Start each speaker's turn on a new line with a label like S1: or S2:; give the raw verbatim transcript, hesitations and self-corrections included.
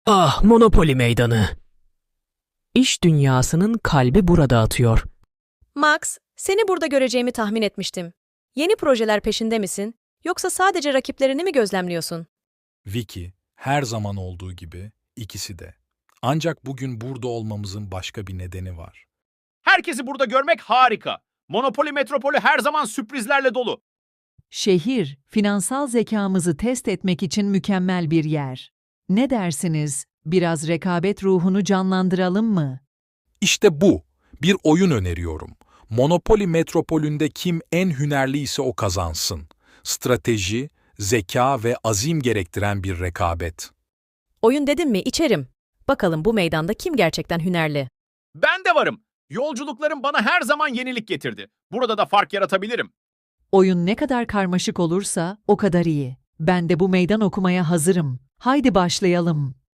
S1: Ah, Monopoly meydanı. İş dünyasının kalbi burada atıyor.
S2: Max, seni burada göreceğimi tahmin etmiştim. Yeni projeler peşinde misin? Yoksa sadece rakiplerini mi gözlemliyorsun?
S3: Vicky, her zaman olduğu gibi ikisi de. Ancak bugün burada olmamızın başka bir nedeni var.
S4: Herkesi burada görmek harika. Monopoly Metropolü her zaman sürprizlerle dolu.
S5: Şehir, finansal zekamızı test etmek için mükemmel bir yer. Ne dersiniz? Biraz rekabet ruhunu canlandıralım mı?
S3: İşte bu. Bir oyun öneriyorum. Monopoly Metropolü'nde kim en hünerliyse o kazansın. Strateji, zeka ve azim gerektiren bir rekabet.
S2: Oyun dedim mi içerim. Bakalım bu meydanda kim gerçekten hünerli?
S4: Ben de varım. Yolculuklarım bana her zaman yenilik getirdi. Burada da fark yaratabilirim.
S5: Oyun ne kadar karmaşık olursa o kadar iyi. Ben de bu meydan okumaya hazırım. Haydi başlayalım.